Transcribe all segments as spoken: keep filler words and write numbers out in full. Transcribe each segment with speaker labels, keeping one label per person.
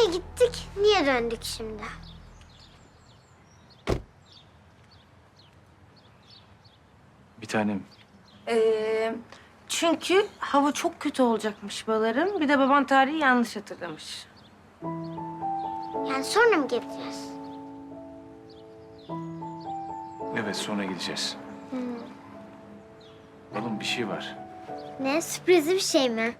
Speaker 1: gittik, niye döndük şimdi?
Speaker 2: Bir tanem.
Speaker 3: Ee, çünkü hava çok kötü olacakmış balarım. Bir de baban tarihi yanlış hatırlamış.
Speaker 1: Yani sonra mı gideceğiz?
Speaker 2: Evet, sonra gideceğiz. Oğlum bir şey var.
Speaker 1: Ne, sürprizli bir şey mi?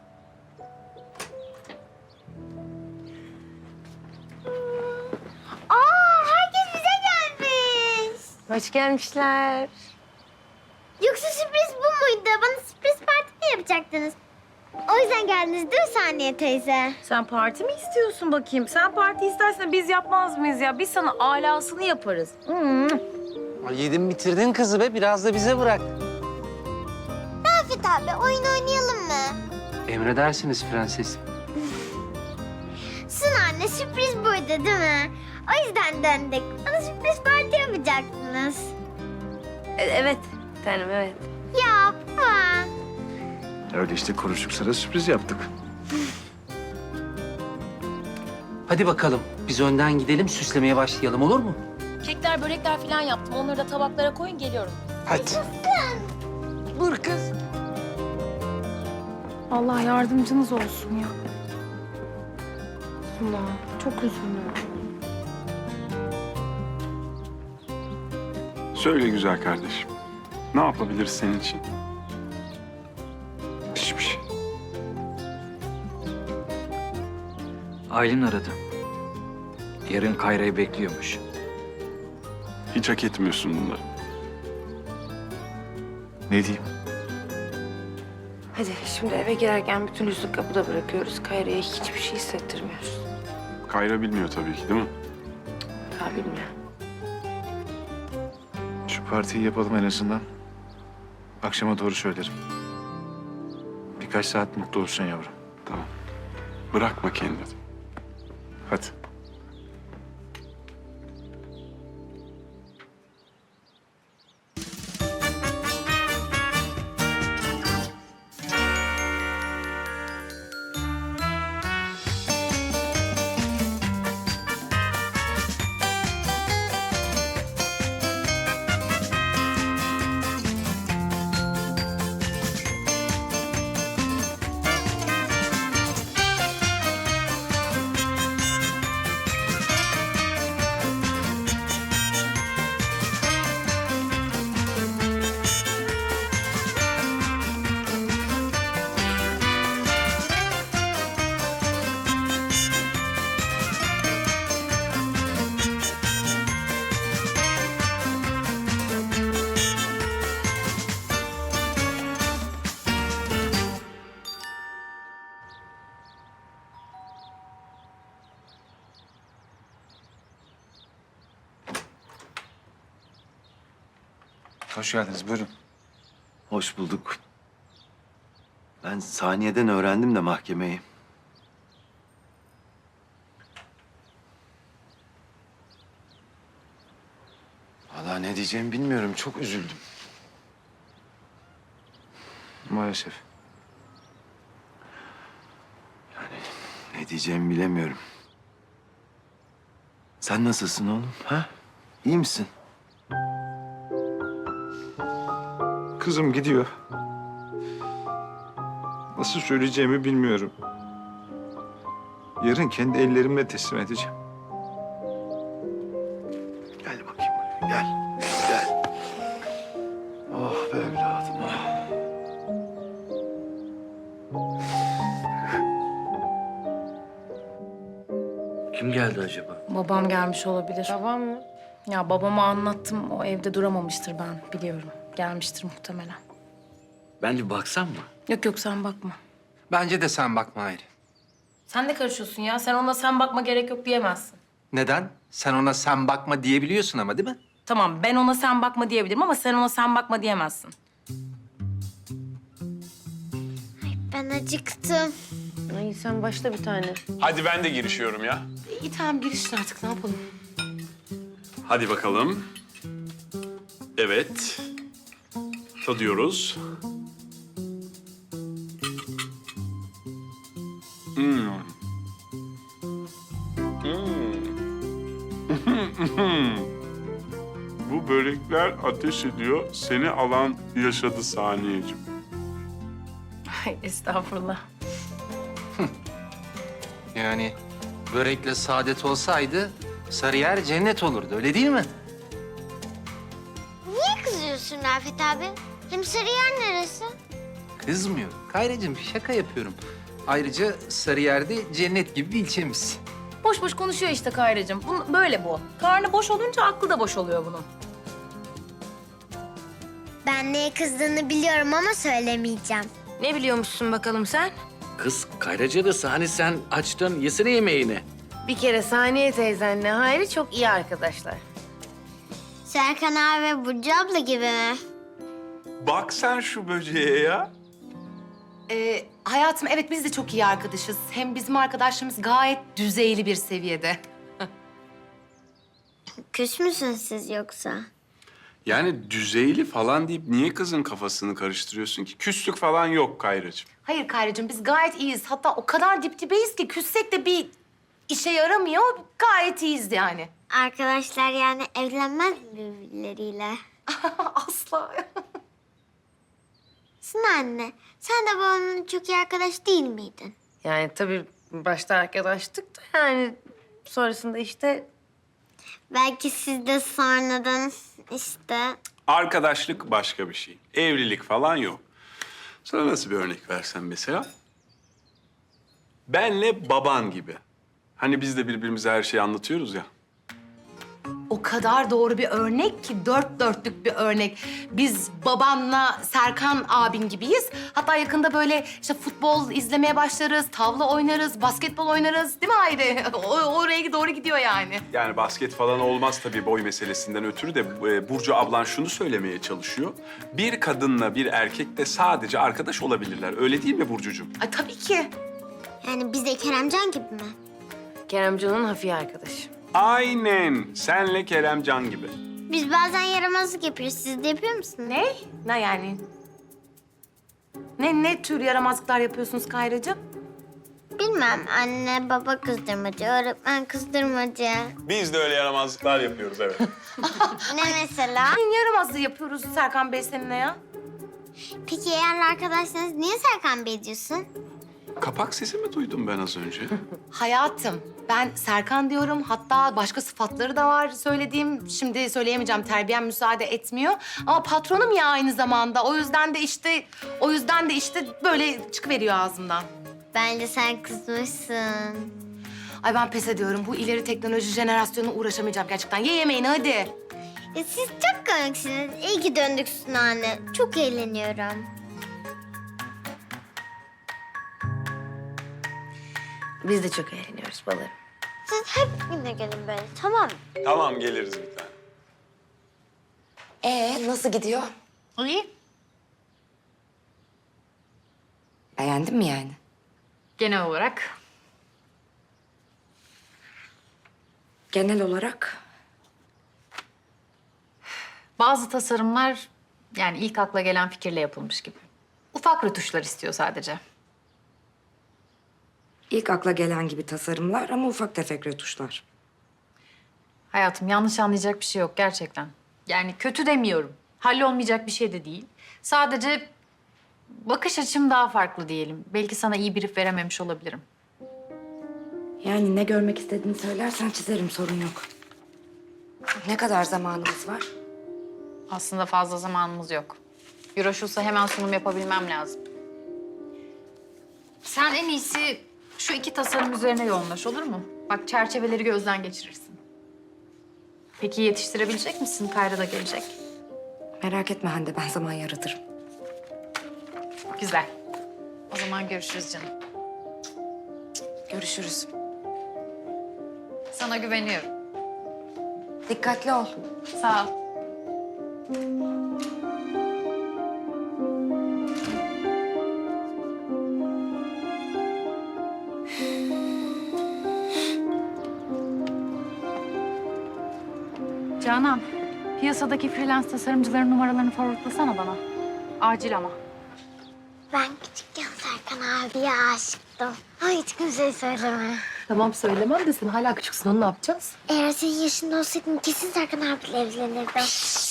Speaker 1: Aa, herkes bize gelmiş.
Speaker 3: Hoş gelmişler.
Speaker 1: Yoksa sürpriz bu muydu? Bana sürpriz parti mi yapacaktınız? O yüzden geldiniz değil mi Saniye teyze?
Speaker 3: Sen parti mi istiyorsun bakayım? Sen parti istersen biz yapmaz mıyız ya? Biz sana alasını yaparız. Hmm.
Speaker 4: Ay, yedin bitirdin kızı be. Biraz da bize bırak.
Speaker 1: Rafet abi, oyun oynayalım mı?
Speaker 4: Emredersiniz prenses.
Speaker 1: Sun anne, sürpriz buydu değil mi? O yüzden döndük. Bana sürpriz parti yapacaktınız.
Speaker 3: E- evet tanem evet.
Speaker 1: Ya baba.
Speaker 2: Öyle işte konuştuk, sana sürpriz yaptık.
Speaker 4: Hadi bakalım. Biz önden gidelim, süslemeye başlayalım, olur mu?
Speaker 5: Kekler, börekler falan yaptım. Onları da tabaklara koyun, geliyorum.
Speaker 4: Hadi. Dur kız.
Speaker 3: Allah yardımcınız olsun ya. Suna çok üzüldüm.
Speaker 6: Söyle güzel kardeşim. Ne yapabiliriz senin için?
Speaker 2: Hiçbir şey.
Speaker 7: Aylin aradı. Yarın Kayra'yı bekliyormuş.
Speaker 6: Hiç hak etmiyorsun bunları.
Speaker 2: Ne diyeyim?
Speaker 3: Hadi şimdi eve girerken bütün üstü kapıda bırakıyoruz. Kayra'ya hiçbir şey hissettirmiyoruz.
Speaker 6: Kayra bilmiyor tabii ki değil mi?
Speaker 3: Ha bilmiyor.
Speaker 2: Şu partiyi yapalım en azından. Akşama doğru söylerim. Birkaç saat mutlu olsun yavrum.
Speaker 6: Tamam. Bırakma kendini.
Speaker 2: Hadi. Hoş geldiniz, buyurun.
Speaker 8: Hoş bulduk. Ben saniyeden öğrendim de mahkemeyi. Vallahi ne diyeceğimi bilmiyorum. Çok üzüldüm.
Speaker 2: Maalesef.
Speaker 8: Ne diyeceğimi bilemiyorum. Sen nasılsın oğlum? Ha? İyi misin?
Speaker 2: Kızım gidiyor. Nasıl söyleyeceğimi bilmiyorum. Yarın kendi ellerimle teslim edeceğim.
Speaker 8: Gel bakayım buraya. Gel. Gel. Oh be evladım. Oh.
Speaker 7: Kim geldi acaba?
Speaker 5: Babam gelmiş olabilir.
Speaker 3: Babam mı?
Speaker 5: Ya babama anlattım. O evde duramamıştır ben biliyorum. Gelmiştir muhtemelen.
Speaker 7: Ben bir baksam mı?
Speaker 5: Yok yok sen bakma.
Speaker 4: Bence de sen bakma Hayri.
Speaker 5: Sen de karışıyorsun ya. Sen ona sen bakma gerek yok diyemezsin.
Speaker 4: Neden? Sen ona sen bakma diyebiliyorsun ama değil mi?
Speaker 5: Tamam ben ona sen bakma diyebilirim ama sen ona sen bakma diyemezsin.
Speaker 1: Ben acıktım.
Speaker 3: Ay sen başla bir tane.
Speaker 6: Hadi ben de girişiyorum ya.
Speaker 3: İyi tamam girişin artık ne yapalım?
Speaker 6: Hadi bakalım. Evet. Tadıyoruz. Hmm. börekler ateş ediyor. Seni alan yaşadı Saniyeciğim.
Speaker 5: Ay estağfurullah.
Speaker 4: Yani börekle saadet olsaydı Sarıyer cennet olurdu, öyle değil mi?
Speaker 1: Niye kızıyorsun Rafet abi? Hem Sarıyer neresi?
Speaker 4: Kızmıyorum. Kayracığım şaka yapıyorum. Ayrıca Sarıyer'de cennet gibi bir ilçemiz.
Speaker 5: Boş boş konuşuyor işte Kayracığım. Bu, böyle bu. Karnı boş olunca aklı da boş oluyor bunun.
Speaker 1: Ben neye kızdığını biliyorum ama söylemeyeceğim.
Speaker 3: Ne biliyormuşsun bakalım sen?
Speaker 7: Kız Kayraca'da hani sen açtın yesene yemeğini.
Speaker 3: Bir kere Saniye teyzenle Hayri çok iyi arkadaşlar.
Speaker 1: Serkan abi ve Burcu abla gibi mi?
Speaker 6: Bak sen şu böceğe ya.
Speaker 5: Ee, hayatım evet biz de çok iyi arkadaşız. Hem bizim arkadaşlığımız gayet düzeyli bir seviyede.
Speaker 1: Küs müsünüz siz yoksa?
Speaker 6: Yani düzeyli falan deyip niye kızın kafasını karıştırıyorsun ki? Küslük falan yok Kayracığım.
Speaker 5: Hayır Kayracığım biz gayet iyiyiz. Hatta o kadar dip dibeyiz ki küssek de bir işe yaramıyor. Gayet iyiyiz yani.
Speaker 1: Arkadaşlar yani evlenmez mi birbirleriyle?
Speaker 5: Asla.
Speaker 1: Sına anne, sen de babamın çok iyi arkadaş değil miydin?
Speaker 3: Yani tabii başta arkadaştık da yani sonrasında işte
Speaker 1: Belki siz de sonradan işte...
Speaker 6: Arkadaşlık başka bir şey. Evlilik falan yok. Sana nasıl bir örnek versem mesela? Benle baban gibi. Hani biz de birbirimize her şeyi anlatıyoruz ya.
Speaker 5: O kadar doğru bir örnek ki dört dörtlük bir örnek. Biz babanla Serkan abin gibiyiz. Hatta yakında böyle işte futbol izlemeye başlarız, tavla oynarız, basketbol oynarız. Değil mi Hayri? O, oraya doğru gidiyor yani.
Speaker 6: Yani basket falan olmaz tabii boy meselesinden ötürü de e, Burcu ablan şunu söylemeye çalışıyor. Bir kadınla bir erkek de sadece arkadaş olabilirler. Öyle değil mi Burcucuğum?
Speaker 5: Ay tabii ki.
Speaker 1: Yani biz de Keremcan gibi mi?
Speaker 3: Keremcan'ın hafiye arkadaşı.
Speaker 6: Aynen. Senle Keremcan gibi.
Speaker 1: Biz bazen yaramazlık yapıyoruz. Siz de yapıyor musunuz?
Speaker 5: Ne? Ne yani? Ne ne tür yaramazlıklar yapıyorsunuz Kayracığım?
Speaker 1: Bilmem. Anne, baba kızdırmacı, öğretmen kızdırmacı.
Speaker 6: Biz de öyle yaramazlıklar yapıyoruz evet.
Speaker 1: Ne mesela?
Speaker 5: Ne yaramazlığı yapıyoruz Serkan Bey seninle ya?
Speaker 1: Peki eğer arkadaşsanız niye Serkan Bey diyorsun?
Speaker 6: Kapak sesi mi duydum ben az önce?
Speaker 5: Hayatım, ben Serkan diyorum. Hatta başka sıfatları da var söylediğim. Şimdi söyleyemeyeceğim, terbiyem müsaade etmiyor. Ama patronum ya aynı zamanda. O yüzden de işte, o yüzden de işte böyle çıkıveriyor ağzımdan.
Speaker 1: Bence sen kızmışsın.
Speaker 5: Ay ben pes ediyorum. Bu ileri teknoloji jenerasyonuna uğraşamayacağım gerçekten. Ye yemeğini hadi.
Speaker 1: Ya siz çok komiksiniz. İyi ki döndük Suna anne. Çok eğleniyorum.
Speaker 3: Biz de çok eğleniyoruz balım.
Speaker 1: Siz hep yine gelin böyle, tamam mı?
Speaker 6: Tamam geliriz bir tane.
Speaker 9: Ee, nasıl gidiyor?
Speaker 5: İyi.
Speaker 9: Beğendin mi yani?
Speaker 10: Genel olarak
Speaker 9: Genel olarak
Speaker 10: bazı tasarımlar yani ilk akla gelen fikirle yapılmış gibi. Ufak rötuşlar istiyor sadece.
Speaker 9: ilk akla gelen gibi tasarımlar ama ufak tefek rötuşlar.
Speaker 10: Hayatım yanlış anlayacak bir şey yok gerçekten. Yani kötü demiyorum. Hallolmayacak bir şey de değil. Sadece bakış açım daha farklı diyelim. Belki sana iyi brief verememiş olabilirim.
Speaker 9: Yani ne görmek istediğini söylersen çizerim, sorun yok. Ne kadar zamanımız var?
Speaker 10: Aslında fazla zamanımız yok. Euroşulsa hemen sunum yapabilmem lazım. Sen en iyisi şu iki tasarım üzerine yoğunlaş olur mu? Bak çerçeveleri gözden geçirirsin. Peki yetiştirebilecek misin? Kayra da gelecek.
Speaker 9: Merak etme Hande, ben zaman yaratırım.
Speaker 10: Güzel. O zaman görüşürüz canım.
Speaker 9: Görüşürüz.
Speaker 10: Sana güveniyorum.
Speaker 9: Dikkatli ol.
Speaker 10: Sağ ol. Canan, piyasadaki freelance tasarımcıların numaralarını forwardlasana bana. Acil ama.
Speaker 1: Ben küçükken Serkan abiye aşıktım. Ama hiç kimseye söyleme.
Speaker 5: Tamam söylemem de sen hala küçüksün, onu ne yapacağız?
Speaker 1: Eğer senin yaşında olsaydın kesin Serkan abiyle evlenirdim.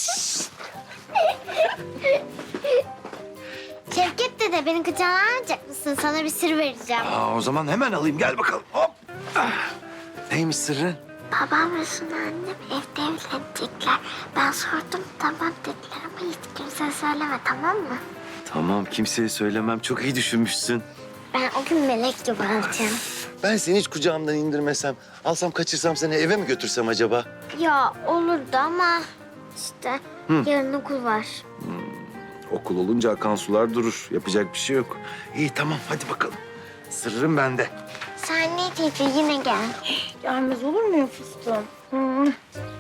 Speaker 1: Şevket dede beni kucağına alacak mısın? Sana bir sır vereceğim.
Speaker 8: Aa, o zaman hemen alayım. Gel bakalım. Hop. Ah. Neymiş sırrı?
Speaker 1: Babam ve Suna annem evde evlenecekler. Ben sordum tamam dediler ama hiç kimseye söyleme tamam mı?
Speaker 8: Tamam, kimseye söylemem. Çok iyi düşünmüşsün.
Speaker 1: Ben o gün melek gibi alacağım.
Speaker 8: Ben seni hiç kucağımdan indirmesem, alsam kaçırsam seni eve mi götürsem acaba?
Speaker 1: Ya olurdu ama işte yarın okul var.
Speaker 8: Okul olunca akan sular durur. Yapacak bir şey yok. İyi tamam, hadi bakalım. Sırrım bende.
Speaker 1: Saniye teyze yine gel.
Speaker 3: Gelmez olur mu ya fıstığım? Hı.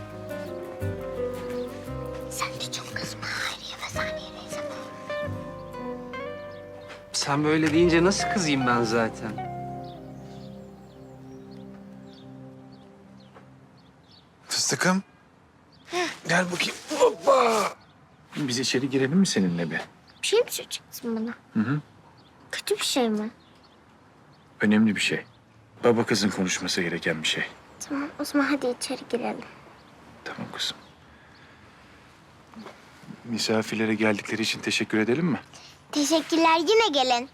Speaker 1: Sen de çok kızma Hayriye ve Saniye teyze.
Speaker 4: Sen böyle deyince nasıl kızayım ben zaten?
Speaker 2: Fıstıkım. Gel bakayım. Hoppa. Biz içeri girelim mi seninle bir?
Speaker 1: Bir şey mi söyleyeceksin bana?
Speaker 2: Hı hı.
Speaker 1: Kötü bir şey mi?
Speaker 2: Önemli bir şey. Baba kızın konuşması gereken bir şey.
Speaker 1: Tamam o zaman hadi içeri girelim.
Speaker 2: Tamam kızım. Misafirlere geldikleri için teşekkür edelim mi?
Speaker 1: Teşekkürler yine gelin.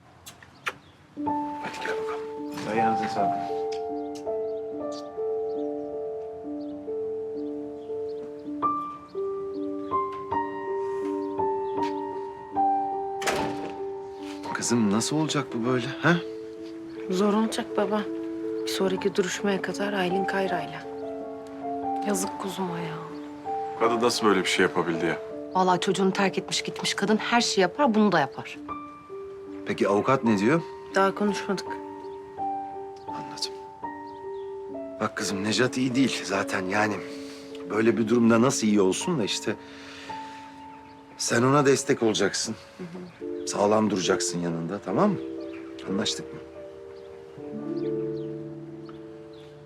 Speaker 2: Hadi gel bakalım. Ayağınıza sağlık.
Speaker 8: Kızım nasıl olacak bu böyle? Ha?
Speaker 3: Zor olacak baba. Bir sonraki duruşmaya kadar Aylin Kayra'yla. Yazık kuzuma ya.
Speaker 6: Kadın nasıl böyle bir şey yapabildi ya?
Speaker 5: Vallahi çocuğunu terk etmiş gitmiş kadın her şeyi yapar, bunu da yapar.
Speaker 8: Peki avukat ne diyor?
Speaker 3: Daha konuşmadık.
Speaker 8: Anladım. Bak kızım Necat iyi değil zaten yani. Böyle bir durumda nasıl iyi olsun da işte. Sen ona destek olacaksın. Sağlam duracaksın yanında, tamam mı? Anlaştık mı?